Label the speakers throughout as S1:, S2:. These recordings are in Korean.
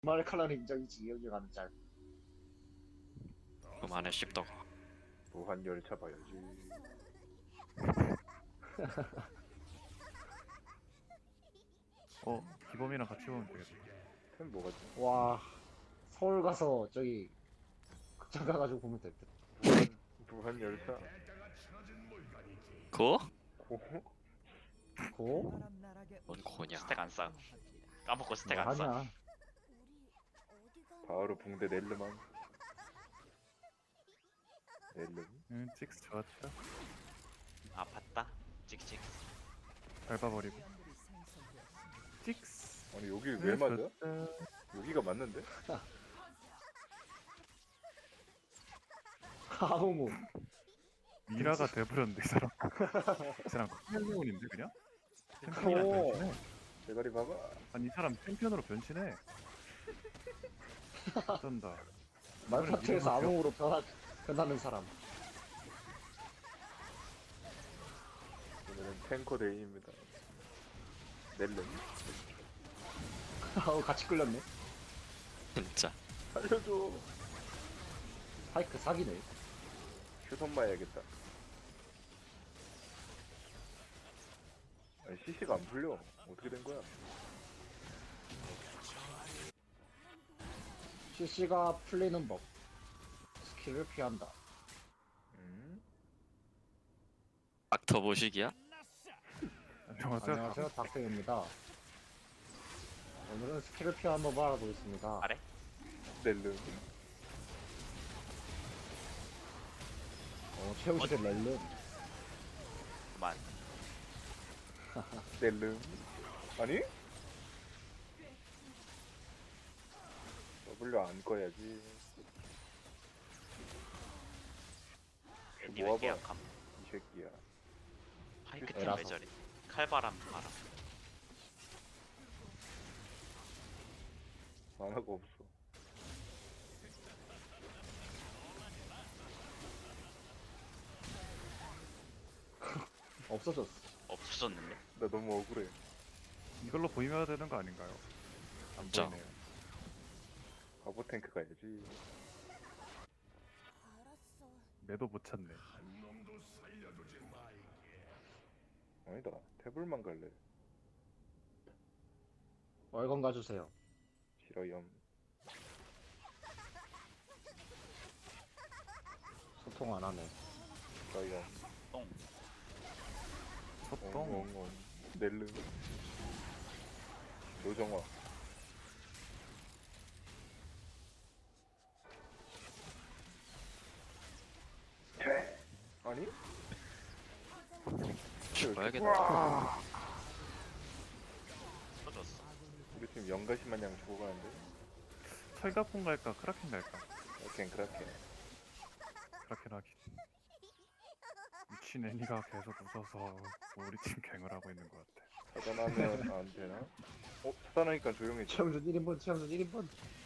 S1: 말칼라는 인정이지. 여기 가는 짤.
S2: 그만해 씹덕아.
S3: 무한 열차 봐야지.
S4: 기범이랑 같이 보면 되겠다.
S3: 템 뭐가 지
S1: 와, 서울 가서 저기 극장 가가지고 보면 될 듯.
S3: 무한 열차.
S2: 고?
S3: 고?
S1: 고?
S2: 뭔 고냐?
S5: 스택 안 쌓. 까먹고 스택
S1: 뭐
S5: 안 쌓.
S1: 하냐?
S3: 바로 붕대 넬르만. 넬름.
S4: 찍스 좋았죠.
S5: 아 봤다. 찍찍.
S4: 밟아버리고. 찍스.
S3: 아니 여기 왜 맞아?
S4: 좋았다.
S3: 여기가 맞는데?
S1: 아무무.
S4: 미라가 돼버렸는데 이 사람. 이 사람 챔피언인데 그냥? 챔피언이랑
S1: 오.
S4: 변신해.
S3: 대가리 봐봐.
S4: 아니 이 사람 챔피언으로 변신해. 어쩐다.
S1: 말파트에서 아무무로 변하는 사람.
S3: 오늘은 탱커 데이입니다. 넬름.
S1: 아우 같이 끌렸네.
S2: 진짜.
S3: 살려줘.
S1: 파이크 사기네.
S3: 휴선 봐야겠다. 아니 CC가 안 풀려. 어떻게 된 거야?
S1: CC가 풀리는 법. 스킬을 피한다.
S2: 닥터 보식이야?
S4: 안녕하세요.
S1: 안녕하세요, 닥터입니다. 오늘은 스킬을 피하는 법을 알아보겠습니다.
S5: 아래?
S3: 넬름.
S1: 최우실의 렐름.
S5: 그만.
S3: 넬름. 아니? W 안 꺼야지.
S5: 니
S3: 모아봐.
S5: 왜 계약함?
S3: 이 새끼야.
S5: 파이크 팀
S1: 에라서.
S5: 왜 저래? 칼바람 바람.
S3: 만화가 없어.
S1: 없어졌어.
S5: 없어졌는데?
S3: 나 너무 억울해.
S4: 이걸로 보이면 되는 거 아닌가요? 안
S2: 진짜.
S4: 보이네요.
S3: 바보 탱크 가야지.
S4: 매도 못 찾네.
S3: 아니다. 태블만 갈래.
S1: 월건 가주세요.
S3: 싫어염.
S1: 소통 안 하네.
S3: 싫어염.
S5: 똥.
S4: 소똥.
S3: 엉엉엉. 넬름. 노정화. 아니?
S2: 죽어야겠다.
S5: 터졌어.
S3: 우리 팀 연가시 마냥 죽어가는데?
S4: 철갑폰 갈까? 크라켄 갈까?
S3: 크라켄.
S4: 크라켄 하기. 미친 애니가 계속 웃어서 우리 팀 갱을 하고 있는 것 같아.
S3: 차단하면 안 되나? 차단하니까 조용해져.
S1: 최영준 1인분, 최영준 1인분.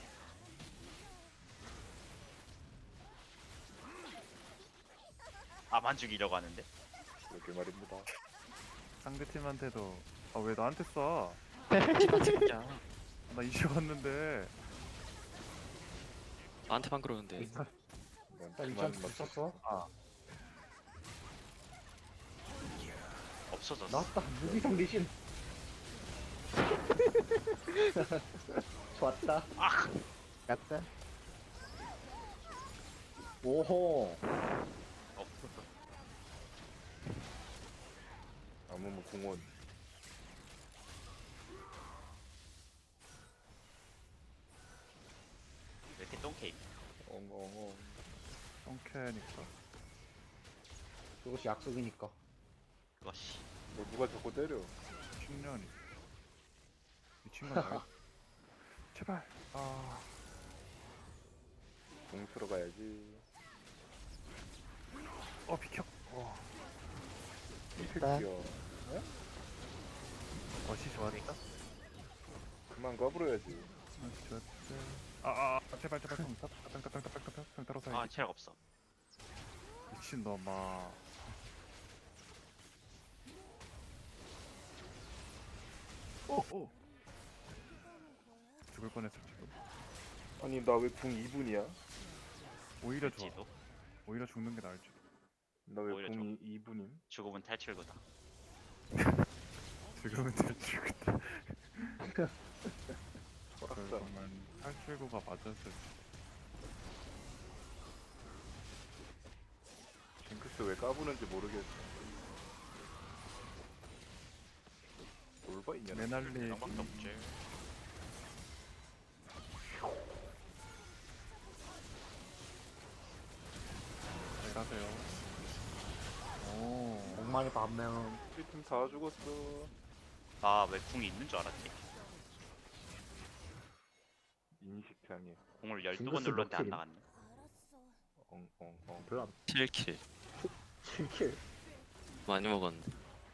S5: 아만 죽이려고 하는데?
S3: 이렇게 말입니다.
S4: 상대팀한테도 왜 나한테 쏴?
S2: 진짜.
S4: 나 이슈 왔는데.
S2: 나한테만 그러는데.
S3: 난
S1: 나
S3: 그만
S1: 이천
S3: 맞
S1: 썼어?
S5: 없어졌어.
S1: 나왔다. 무기성 리신. 좋았다.
S5: 아!
S1: 갔다. 오호.
S3: 아무무 공원.
S5: 왜 이렇게 똥케이크?
S3: 엉엉엉.
S4: 똥캐니까.
S1: 그것이 약속이니까.
S5: 그것이.
S3: 너 누가 자꾸 때려?
S4: 10년이. 미친 건 나겠. 제발.
S3: 공수로 가야지.
S4: 비켜.
S3: 이 새끼야.
S4: 어시 좋았다.
S3: 그만 까불어야지.
S4: 어시 좋았다. 제발. 평 따라서
S5: 아
S4: 해야지.
S5: 체력 없어.
S4: 미친놈아. 오. 죽을 뻔했어 지금.
S3: 아니 나 왜 궁 2분이야?
S4: 오히려 좋아.
S5: 지도
S4: 오히려 죽는 게 나을지.
S3: 나 왜
S5: 오히려
S3: 궁 2분임?
S5: 죽음은 탈출구다.
S4: 지금은 탈출구다.
S3: 철학자.
S4: 정말 탈출구가 맞았을
S3: 징크스 왜 까부는지 모르겠어. 뭘봐 있냐?
S4: 메날리
S5: 양밖에 없지.
S4: 잘 가세요. 오.
S1: 목마리 반면
S3: 우리 팀 다 죽었어.
S5: 나왜 궁이 있는 줄 알았지?
S3: 인식장애.
S5: 공을 12번
S1: 징크스
S5: 눌렀는데 안
S1: 몇
S5: 나갔네.
S3: 엉엉엉.
S1: 별로 안
S2: 7킬
S1: 7킬.
S2: 많이 먹었는데.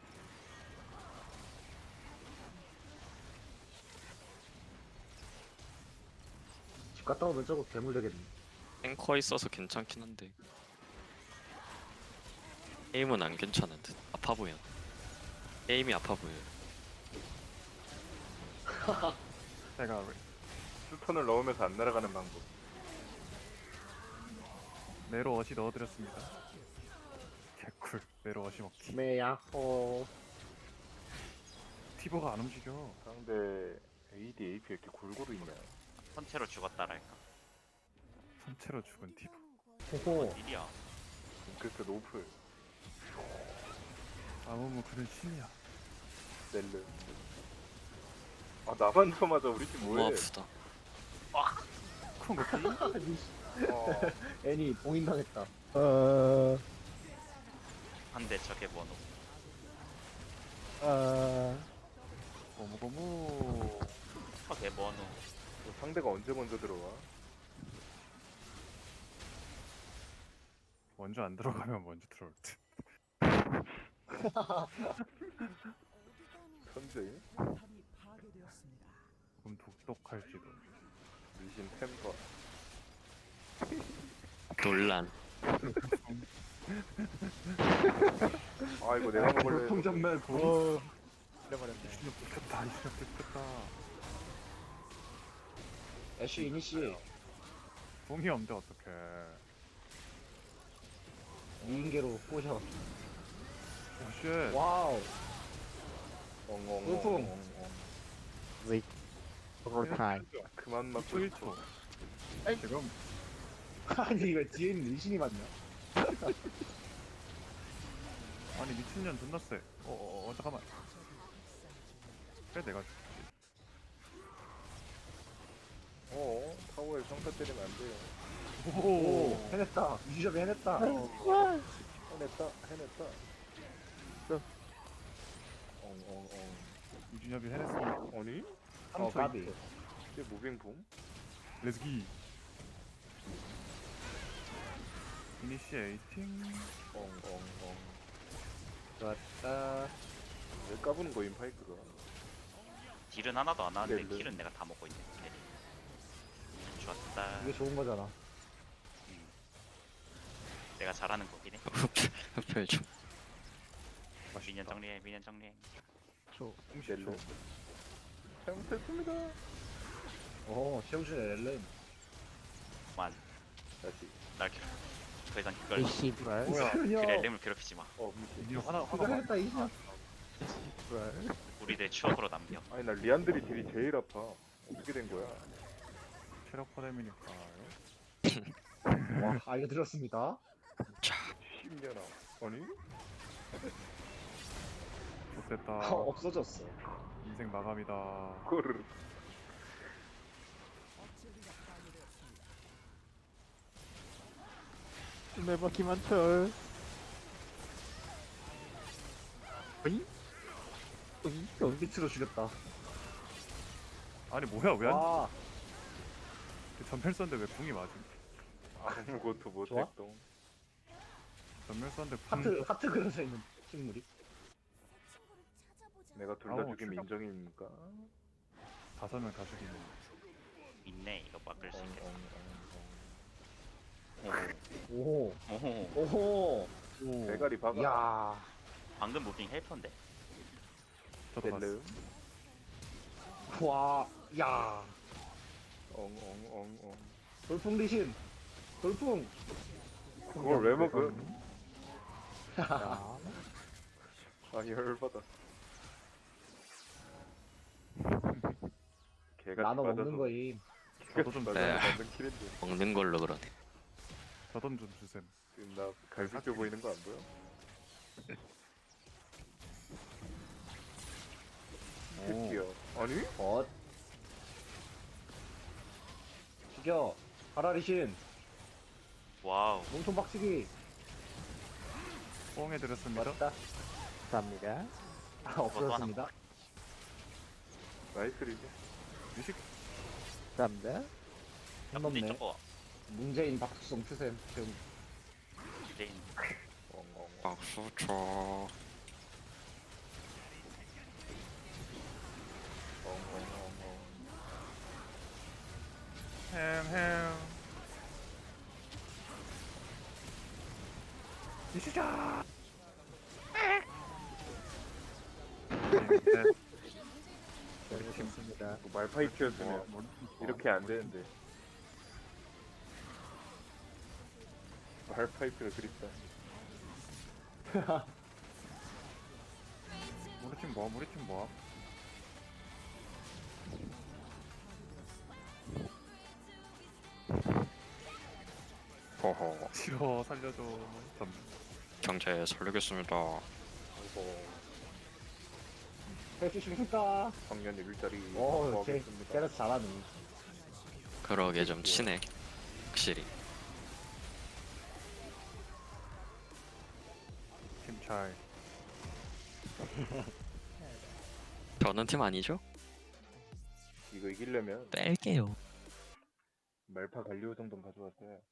S1: 집 갔다 오면 저거 괴물 되겠네.
S2: 탱커 있어서 괜찮긴 한데 게임은 안 괜찮은 듯. 아파 보여. 게임이 아파 보여.
S4: 제가
S3: 스턴을 넣으면서 안 날아가는 방법.
S4: 메로 어시 넣어드렸습니다. 개꿀. 메로 어시 먹기.
S1: 메야호.
S4: 티버가 안 움직여.
S3: 상대 AD, AP 이렇게 골고루 있냐?
S5: 선체로 죽었다랄까.
S4: 선체로 죽은 티버.
S1: 호호.
S5: 일이야.
S3: 징크스 노플.
S4: 아무무 그는 신이야.
S3: 넬르. 아 나만 쳐맞아 우리 팀
S2: 너무
S3: 뭐해?
S2: 아프다.
S4: 그런 거 삐?
S3: 어.
S1: 애니 봉인당했다.
S5: 한대 저게 번호.
S4: 고무고무.
S5: 저게 번호.
S3: 상대가 언제 먼저 들어와?
S4: 먼저 안 들어가면 먼저 들어올 듯.
S3: 선제?
S4: 그럼 독독할지도.
S3: 리신 템퍼.
S2: 논란.
S3: 아 이거 내가 먹을래.
S1: 통전멸 봉.
S4: 이신업 들켰다. 이신업 들켰다.
S1: 애쉬 이니시
S4: 붕이 없는데 어떡해.
S1: 미인계로 꼬셔.
S4: 오쉣.
S1: 와우.
S3: 엉엉엉엉. 그만 맞고
S4: 1초
S3: 싶어.
S4: 1초. 지금
S1: 아니 이거 뒤에 있는 리신이 맞냐?
S4: 아니 미친년 존나 세. 잠깐만. 그래 내가
S3: 타워에 평타 때리면 안 돼요.
S1: 오 해냈다. 유저비 해냈다.
S3: 해냈다. 엉엉엉.
S4: 이준엽이 해냈어.
S3: 아니?
S4: 3초
S1: 까비.
S3: 이게 무빙봉?
S4: 렛츠기. 이니시에이팅.
S3: 엉엉엉.
S1: 좋았다.
S3: 왜 까부는 거임 파이크가?
S5: 딜은 하나도 안 하는데
S3: 넬르.
S5: 킬은 내가 다 먹고 있네. 넬르. 좋았다.
S1: 이게 좋은 거잖아.
S5: 내가 잘하는 거긴 해.
S2: 흡혈 좀.
S5: 미년 정리해. 미년 정리해.
S3: 넬르. 잘못했습니다.
S1: 오 시험실에 렐렌.
S5: 만.
S3: 다시.
S5: 날 괴롭. 더 이상 그걸
S1: 뭐야?
S5: 그렐렘을 괴롭히지 마.
S3: 미친.
S4: 이준엽 하나
S1: 그거 해냈다 이신아.
S5: 우리들 추억으로 남겨.
S3: 아니 나 리안드리 딜이 제일 아파. 어떻게 된 거야?
S4: 체력 퍼뎀이니까요.
S1: 와 알게 들었습니다.
S3: 10년아. 아니?
S4: 못됐다.
S1: 없어졌어.
S4: 인생 마감이다.
S3: 그거를.
S6: 네버 김한철.
S1: 밑으로 죽였다.
S4: 아니 뭐야 왜 안?
S1: 와
S4: 전멸 썼는데 왜 궁이 맞음?
S3: 아무것도
S1: 좋아?
S3: 못했동.
S4: 전멸 썼는데 궁.
S1: 하트 그려져 있는 식물이.
S3: 내가 둘 다
S4: 아우,
S3: 죽임
S4: 출력.
S3: 인정입니까?
S4: 5명 다 죽이네.
S5: 있네. 이거 막을 수 있겠다.
S1: 오호
S5: 오호.
S1: 오호.
S4: 오.
S3: 대가리 박아.
S1: 야
S5: 방금 무빙 헬퍼인데.
S4: 저도 봤어.
S3: 넬르.
S1: 와, 야.
S3: 엉엉엉엉.
S1: 돌풍 리신. 돌풍.
S3: 그걸 왜 먹어?
S6: 자,
S3: 아 열받아. 개가
S1: 나눠 먹는 거임.
S4: 저도 좀
S2: 네.
S3: 만든 킬인데.
S2: 먹는 걸로 그러네.
S4: 저돈 좀 주셈.
S3: 지금 나 갈비뼈 보이는 거 안 보여?
S4: 오.
S3: 새끼야. 아니?
S1: 엇. 죽여. 가라 리신.
S5: 와우.
S1: 몸통 박치기.
S4: 뽕해드렸습니다.
S1: 맞다.
S6: 감사합니다.
S1: 아, 없어졌습니다.
S3: 나이스 리즈.
S4: 미식
S6: 감사합니다.
S5: 야, 근데
S1: 넘네.
S5: 저거
S1: 문재인 박수성 추셈. 지금
S5: 디제인.
S3: 엉엉.
S2: 박수 쳐.
S3: 엉엉엉엉.
S4: 햄. 미시자.
S6: 잘했습니다.
S3: 뭐 말파이트였으면 이렇게 안 되는데. 말파이트를 그립다.
S4: 우리 팀 뭐? 우리 팀 뭐?
S2: 호호.
S4: 싫어 살려줘.
S2: 경제 살리겠습니다.
S3: 아이고.
S1: 해주십니까?
S3: 청년 일자리
S1: 오, 쟤
S3: 확보하겠습니다.
S1: 때려서 잘하네.
S2: 그러게 좀 치네. 확실히.
S4: 팀 차이.
S2: 저는 팀 아니죠?
S3: 이거 이기려면
S2: 뺄게요.
S3: 말파 갈리오 정도는 가져왔어요.